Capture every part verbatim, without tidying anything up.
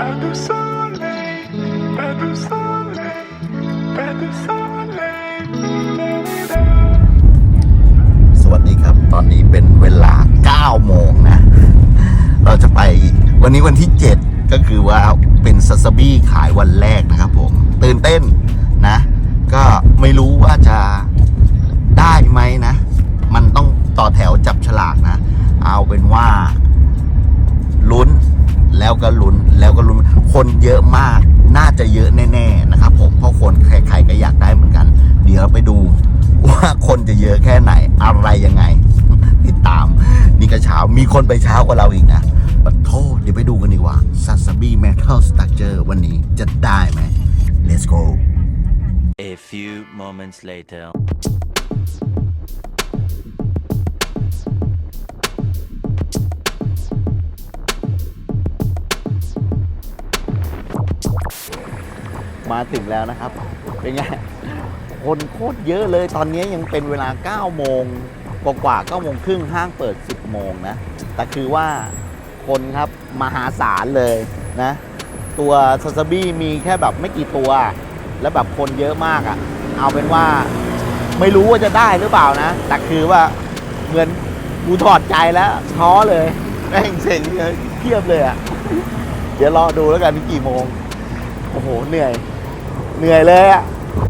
Pas de soleil, pas de soleil, pas de soleil. สวัสดีครับตอนนี้เป็นเวลาเก้าโมงนะเราจะไปวันนี้วันที่เจ็ดก็คือว่าเป็นซาซาบิขายวันแรกนะครับผมตื่นเต้นนะก็ไม่รู้ว่าจะได้ไหมนะมันต้องต่อแถวจับฉลากนะเอาเป็นว่าลุ้นแล้วก็ลุ้นแล้วก็ลุ้นคนเยอะมากน่าจะเยอะแน่ๆนะครับผมเพราะคนใครๆก็อยากได้เหมือนกันเดี๋ยวไปดูว่าคนจะเยอะแค่ไหนอะไรยังไงติดตามนี่ก็เช้ามีคนไปเช้ากว่าเราอีกนะปะโทษเดี๋ยวไปดูกันดีกว่าซาซาบิเมทัลสตรัคเจอร์วันนี้จะได้ไหม let's go A few moments later. มาถึงแล้วนะครับเป็นไงคนโคตรเยอะเลยตอนนี้ยังเป็นเวลาเก้าโมงกว่าๆเก้าโมงครึ่งห้างเปิดสิบโมงนะแต่คือว่าคนครับมหาศาลเลยนะตัวซาซาบิมีแค่แบบไม่กี่ตัวแล้วแบบคนเยอะมากอะ่ะเอาเป็นว่าไม่รู้ว่าจะได้หรือเปล่านะแต่คือว่าเหมือนกูถอดใจแล้วท้อเลยแม่งเซ็งเทียบเลยอะ่ะเดี๋ยวรอดูแล้วกันกี่โมงโอ้โหเหนื่อยเหนื่อยเลยอะ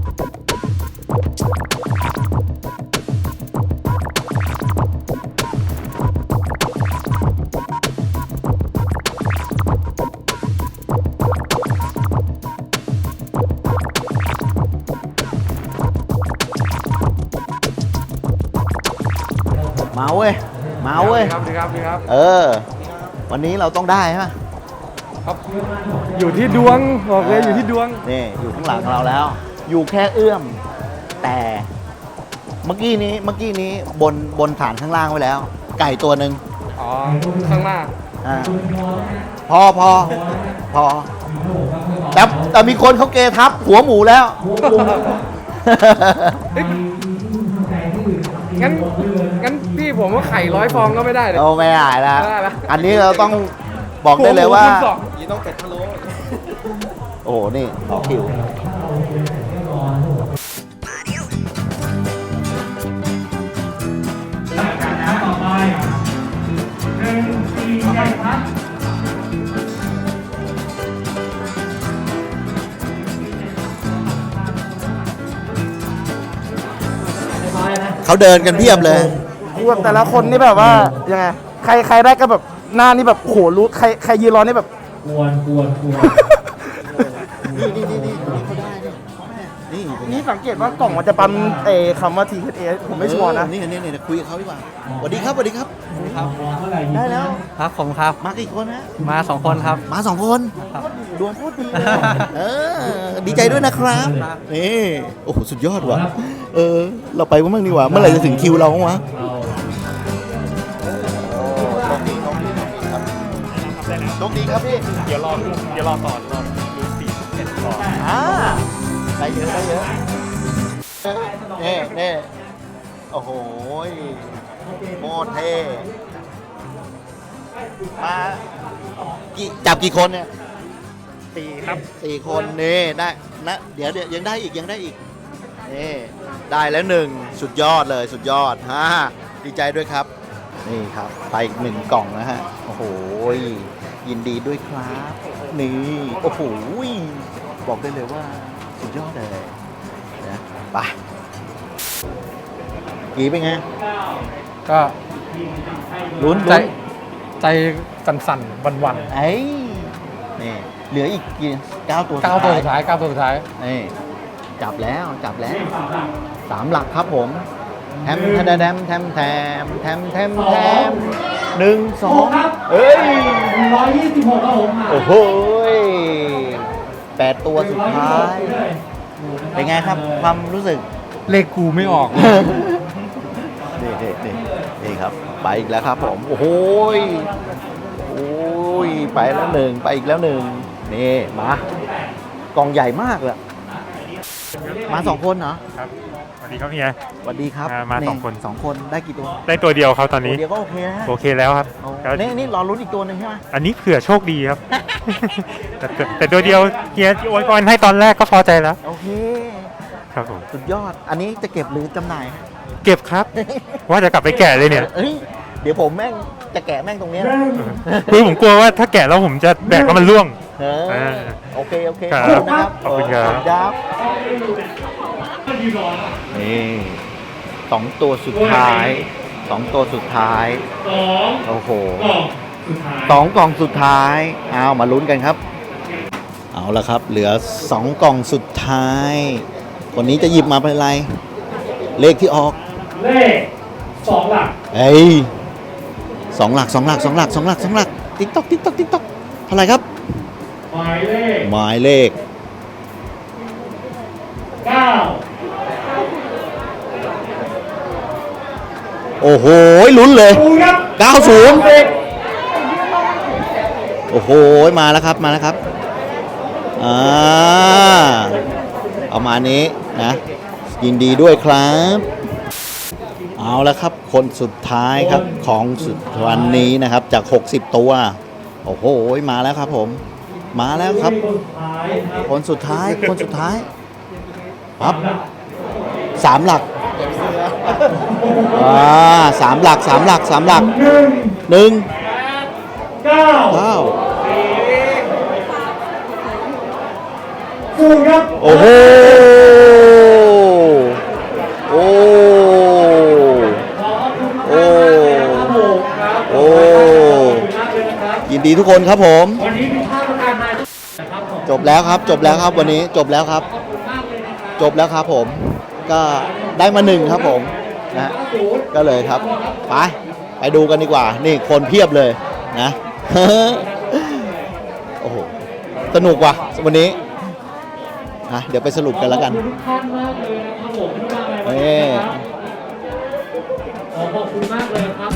มาเว้ยมาเว้ยครับดีครับดีครับเออวันนี้เราต้องได้ใช่ไหมครับ อยู่ที่ดวงบอกเลยอยู่ที่ดวงนี่อยู่ข้างหลังเราแล้ว อยู่แค่เอื้อม แต่เมื่อกี้นี้เมื่อกี้นี้บนบนฐานข้างล่างไว้แล้ว ไก่ตัวหนึ่งอ๋อ ข้างหน้าอ่าพอพอพอแต่แต่มีคนเขาเกทับหัวหมูแล้วงั้น งั้นพี่ผมว่าไข่ร้อยฟองก็ไม่ได้เลยเราไม่ได้แล้วไม่ได้แล้วอันนี้เราต้องบอกได้เลยว่าหัหมูคุณสองยี่ต้องเป็ดพะโล้โอ้โห นี่ต่อคิวเขาเดินกันเพียบเลยคือแบบแต่ละคนนี่แบบว่ายังไงใครใครได้ก็แบบหน้านี่แบบโหรู้ใครใครยืนรอนี่แบบกวนกวนกวนนี่นี่นี่นี่นี่เขาได้นี่นี่นี่สังเกตว่ากล่องมันจะปั๊มเอคำว่า ที เอช เอ ผมไม่ชัวร์นะนี่นี่นี่คุยกับเขาดีกว่าสวัสดีครับสวัสดีครับเมื่อไหร่ได้แล้วครับผมครับมากี่คนฮะมาสองคนครับมาสองคนดวงโคตรดีเลยเออดีใจด้วยนะครับนี่โอ้โหสุดยอดว่ะเออเราไปบ้างดีกว่าเมื่อไหร่จะถึงคิวเราบ้างวะ โชคดีครับพี่เดี๋ยวรอเดี๋ยวรอต่อรอดูสี่สิบเอ็ดก่อนอ่าได้เยอะได้เยอะเน่เน่โอ้โหโคตรเท่มากี่จับกี่คนเนี่ยสี่ครับสี่คนนี่ได้นะเดี๋ยวเดี๋ยวยังได้อีกยังได้อีกนี่ได้แล้วหนึ่งสุดยอดเลยสุดยอดฮ่าดีใจด้วยครับนี่ครับไปอีกหนึ่งกล่องนะฮะโอ้โหยินดีด้วยครับนี่โอ้โหบอกได้เลยว่าสุดยอดเลยนะไปกี่เป็นไงก็ลุ้นใจลุ้นใจสั่นๆวันไอ้นี่เหลืออีกกี่เก้าตัวๆเก้าตัวสุดท้ายเก้าตัวสุดท้ายนี่จับแล้วจับแล้วสามหลักครับผมแทมแทมแทมแทมแทมแทมแทมแทมหนึ่งสองเอ้ยร้อยยี่สิบหกครับผมโอ้โหแปดตัวสุดท้าย เป็นไงครับความรู้สึกเลขกูไม่ออกนี่นี่นี่นี่ครับ ไปอีกแล้วครับผม โอ้โหยโอ้ยไปแล้วหนึ่งไปอีกแล้วหนึ่งนี่มากล่องใหญ่มากเลยมาสองคนเหรอครับสวัสดีครับเฮียสวัสดีครับมามาสองคนสองคนได้กี่ตัวได้ตัวเดียวครับตอนนี้ตัวเดียวก็โอเคนะโอเคแล้วครับโอ้แล้วนี่นี่รอลุ้นอีกตัวหนึ่งใช่ไหมอันนี้เผื่อโชคดีครับ แต่แต่แต่ตัวเดียวเฮียโอยพรให้ตอนแรกก็พอใจแล้วโอเคครับผมสุดยอด อันนี้จะเก็บหรือจำหน่ายเก็บครับ ว่าจะกลับไปแกะเลยเนี่ยเอ้ยเดี๋ยวผมแม่งจะแกะแม่งตรงเนี้ยคือผมกลัวว่าถ้าแกะแล้วผมจะแบกแล้วมันร่วงเออเออโอเคโอเคครับขอบคุณนะครับขอบคุณครับเออครับนี่สองตัวสุดท้ายสองตัวสุดท้ายโอ้โหสองกล่องสุดท้ายเอามาลุ้นกันครับ เอาละครับ เหลือสองกล่องสุดท้ายคนนี้จะหยิบมาเป็นอะไร เลขที่ออกเลขสองหลักเอ้ยสองหลักสองหลักสองหลักสองหลักสองหลักติ๊กต๊อกติ๊กต๊อกติ๊กต๊อกเท่าไหร่ครับหมายเลขหมายเลขเก้าโอ้โหลุ้นเลยศูนย์ครับเก้าศูนย์ โอ้โหมาแล้วครับมาแล้วครับอ่าเอามานี้นะยินดีด้วยครับเอาแล้วครับคนสุดท้ายครับของสุดวันนี้นะครับจากหกสิบตัวโอ้โหมาแล้วครับผมมาแล้วครับคนสุดท้ายครับคนสุดท้ายคนสุดท้ายปั๊บสามหลักอ่าสามหลักสามหลักสามหลักหนึ่งหนึ่งเก้าเก้าศูนย์ครับโอ้โหโอ้โอ้โอ้ยินดีทุกคนครับผมวันนี้มีภาพประกาศมานะครับผมจบแล้วครับจบแล้วครับวันนี้จบแล้วครับ จบแล้วครับผม ก็ได้มาหนึ่งครับผมนะก็เลยครับไปไปดูกันดีกว่า นี่คนเพียบเลยนะ โอ้โหสนุกว่ะวันนี้นะเดี๋ยวไปสรุปกันแล้วกันขอบคุณทุกท่านมากเลยนะครับผมที่มาในวันเอ้นี้นะครับขอขอบคุณมากเลยครับ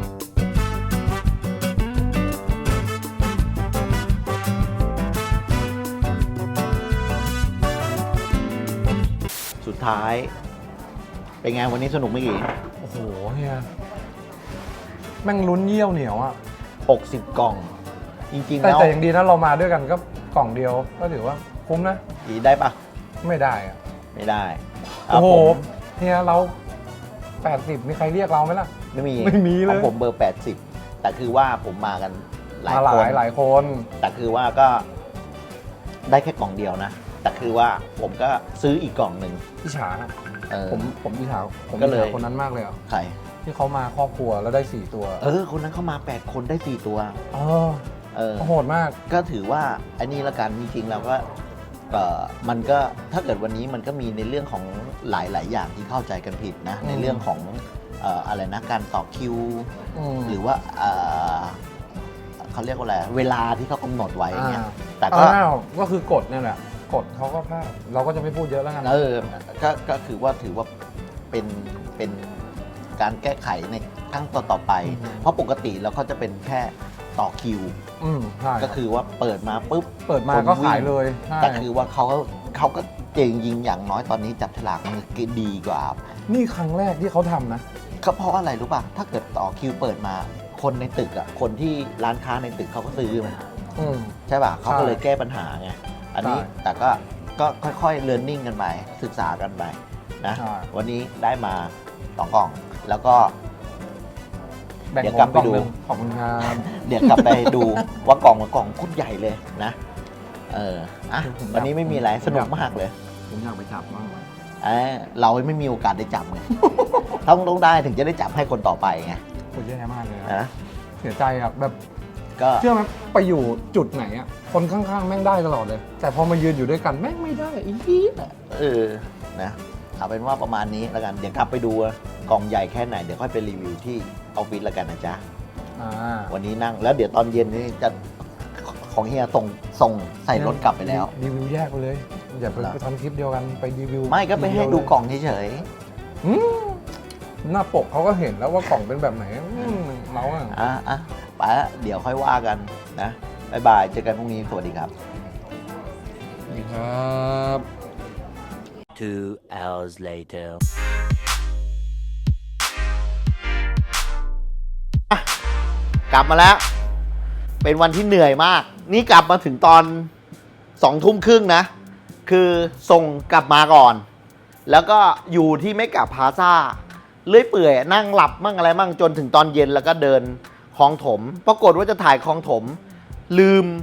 สุดท้าย เป็นไงวันนี้สนุกไหมกี่โอ้โหเฮียแม่งลุ้นเยี่ยวเหนียวอ่ะหกสิบกล่อง จริงๆแต่แล้วแต่อย่างดีนะเรามาด้วยกันก็กล่องเดียวก็ถือว่าคุ้มนะกี่ได้ปะไม่ได้อ่ะไม่ได้ะโอ้โหผมเฮียเราแปดสิบมีใครเรียกเราไหมล่ะไม่มีไม่มีเลยของผมเบอร์แปดสิบแต่คือว่าผมมากันหลายมาหคลาน ยหลายคนแต่คือว่าก็ได้แค่กล่องเดียวนะ แต่คือว่าผมก็ซื้ออีกกล่องหนึ่งอิจฉาอะเออผมผมอิจฉาผมก็อิจเลยฉาคนนั้นมากเลยอ่ะใครที่เขามาครอบครัวแล้วได้สี่ตัวเออ คนนั้นเข้ามาแปดคนได้สี่ตัวเออเออโหดมากก็ถือว่าอันนี้ละกันจริงๆแล้วก็เอ่อมันก็ถ้าเกิดวันนี้มันก็มีในเรื่องของหลาย ๆ อย่างที่เข้าใจกันผิดนะอืมในเรื่องของเอ่ออะไรนะการต่อคิวอืมหรือว่าเอ่อเขาเรียกว่าอะไรเวลาที่เขากำหนดไว้เนี่ยอ่าแต่ก็อ้าวก็คือกฎเนี่ยแหละกฎเขาก็พลาดเราก็จะไม่พูดเยอะแล้วกันเออก็ก็คือว่าถือว่าเป็นเป็นการแก้ไขในครั้งต่อๆไป เพราะปกติแล้วเขาจะเป็นแค่ต่อคิวอืมใช่ก็คือว่าเปิดมาปุ๊บเปิดมาก็ขายเลยใช่แต่คือว่าเขาเขาก็เจงยิงอย่างน้อยตอนนี้จับฉลากมันดีกว่านี่ครั้งแรกที่เขาทำนะก็เพราะอะไรรู้ป่ะ ถ้าเกิดต่อคิวเปิดมาคนในตึกอ่ะคนที่ร้านค้าในตึกเขาก็ซื้อมันอืมใช่ป่ะเขาก็ใช่เลยแก้ปัญหาไงอันนี้ใช่แต่ก็ก็ค่อยๆเรียนรู้กันไปศึกษากันไปนะใช่วันนี้ได้มาสองกล่อง แล้วก็แบ่งเดี๋ยวผกลับมไปกล่องดูหนึงขอบคุณครับเดี๋ยวกลับไปดู ว่ากล่องมันกล่องโคุดใหญ่เลยนะ เอออ่ะวันนี้ไม่มีอะไรสนุกมากเลยผมอยากไปจับมากเออเราไม่มีโอกาสได้จับไง ต้องต้องได้ถึงจะได้จับให้คนต่อไปไงโคตรแย่มากเลยนะนะเสียใจอ่ะแบบก็เชื่อไหมไปอยู่จุดไหนอ่ะคนข้างๆแม่งได้ตลอดเลย แต่พอมายืนอยู่ด้วยกันแม่งไม่ได้อีกเออนะเอาเป็นว่าประมาณนี้แล้วกันเดี๋ยวกลับไปดูว่ากล่องใหญ่แค่ไหนเดี๋ยวค่อยไปรีวิวที่ออฟฟิศแล้วกันนะจ๊ะอ่าวันนี้นั่งแล้วเดี๋ยวตอนเย็นนี่จะของเฮียส่งส่งใส่รถกลับไปแล้วรีวิวแยกไปเลยอย่าไปเหรอไปทำคลิปเดียวกันไปรีวิวไม่ก็ไปให้ดูกล่องเฉยอืมหน้าปกเขาก็เห็นแล้วว่ากล่องเป็นแบบไหนอืมเราอ่ะๆอ่ะอ่ะไปละเดี๋ยวค่อยว่ากันนะบ๊ายบายเจอกันพรุ่งนี้สวัสดีครับสวัสดีครับ Two hours later. กลับมาแล้ว เป็นวันที่เหนื่อยมาก นี่กลับมาถึงตอนสองทุ่มครึ่งนะ คือส่งกลับมาก่อน แล้วก็อยู่ที่ไม่กลับพาซ่าเลื่อยเปื่อยนั่งหลับมั่งอะไรมั่งจนถึงตอนเย็นแล้วก็เดินคลองถม ปรากฏว่าจะถ่ายคลองถม ลืม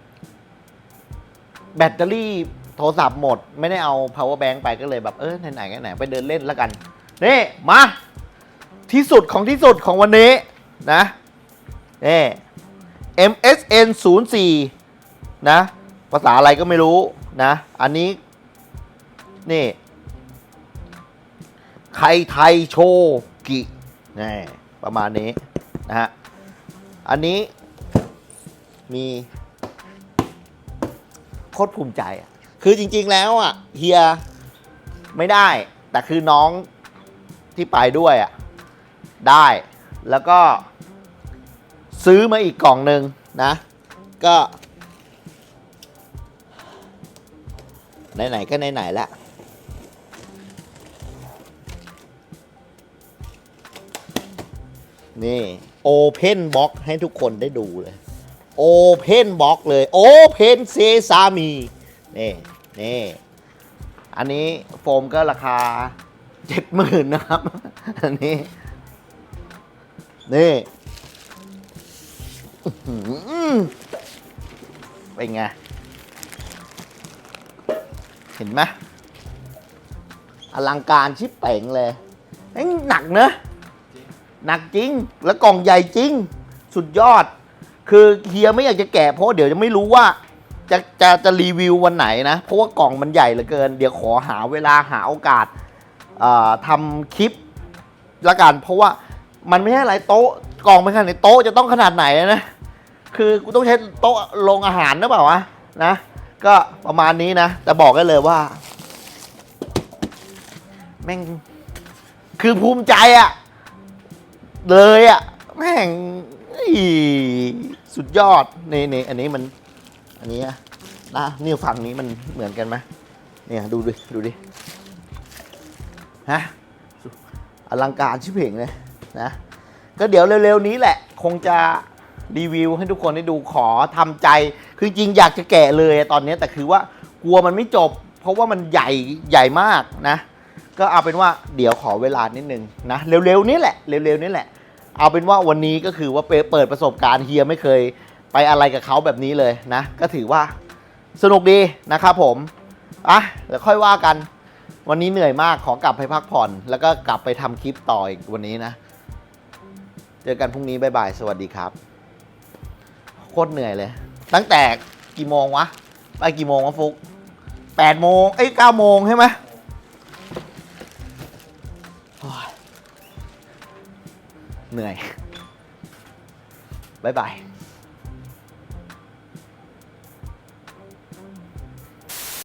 แบตเตอรี่โทรศัพท์หมด ไม่ได้เอา power bank ไปก็เลยแบบเออไหนๆไหนๆไปเดินเล่นแล้วกัน นี่ มา ที่สุดของที่สุดของวันนี้นะนี่ เอ็ม เอส เอ็น ศูนย์ สี่ นะ ภาษาอะไรก็ไม่รู้นะ อันนี้ นี่ ไคไทโชกินี่ประมาณนี้นะฮะ อันนี้มีโคตรภูมิใจอ่ะ คือจริงๆแล้วอ่ะเฮียไม่ได้ แต่คือน้องที่ไปด้วยอ่ะ ได้ แล้วก็ซื้อมาอีกกล่องหนึ่งนะ ก็ ไหนๆก็ไหนๆแล้วนี่ Open Box ให้ทุกคนได้ดูเลย Open Box เลย Open Sesame นี่นี่อันนี้โฟมก็ราคา เจ็ดหมื่น นะครับ อันนี้ นี่อื้อหือเป็นไง เห็นไหมอลังการชิบเป่งเลยเอ้ยหนักเนอะหนักจริง แล้วกล่องใหญ่จริง สุดยอด คือเฮียไม่อยากจะแกะเพราะเดี๋ยวจะไม่รู้ว่า จะจะจะรีวิววันไหนนะ เพราะว่ากล่องมันใหญ่เหลือเกิน เดี๋ยวขอหาเวลาหาโอกาสทำคลิปละกัน เพราะว่ามันไม่ใช่อะไรโต๊ะกล่องไม่ขนาดไหนโต๊ะจะต้องขนาดไหนนะ คือกูต้องใช้โต๊ะลงอาหารหรือเปล่าวะนะ ก็ประมาณนี้นะ แต่บอกได้เลยว่า แม่ง คือภูมิใจอะเลยอะแม่งสุดยอดนี่นี่อันนี้มัน อันนี้นะนะนี่ฝั่งนี้มันเหมือนกันไหมเนี่ยดูดิดูดิฮะอลังการชิบเพ่งเลยนะ ก็เดี๋ยวเร็วๆนี้แหละ คงจะรีวิวให้ทุกคนได้ดูขอทำใจ คือจริงอยากจะแกะเลยตอนนี้แต่คือว่ากลัวมันไม่จบ เพราะว่ามันใหญ่ใหญ่มากนะ ก็เอาเป็นว่าเดี๋ยวขอเวลานิดนึงนะเร็วๆนี้แหละเร็วๆนี้แหละ เอาเป็นว่าวันนี้ก็คือว่าเปิดประสบการณ์เฮียไม่เคยไปอะไรกับเขาแบบนี้เลยนะ ก็ถือว่าสนุกดีนะครับผมอ่ะเดี๋ยวค่อยว่ากัน วันนี้เหนื่อยมากขอกลับไปพักผ่อน แล้วก็กลับไปทำคลิปต่ออีกวันนี้นะเจอกันพรุ่งนี้บ๊ายบายสวัสดีครับโคตรเหนื่อยเลยตั้งแต่กี่โมงวะไปกี่โมงวะฟุกแปดโมงเอ้ยเก้าโมงใช่ไหมเหนื่อยบ๊ายบาย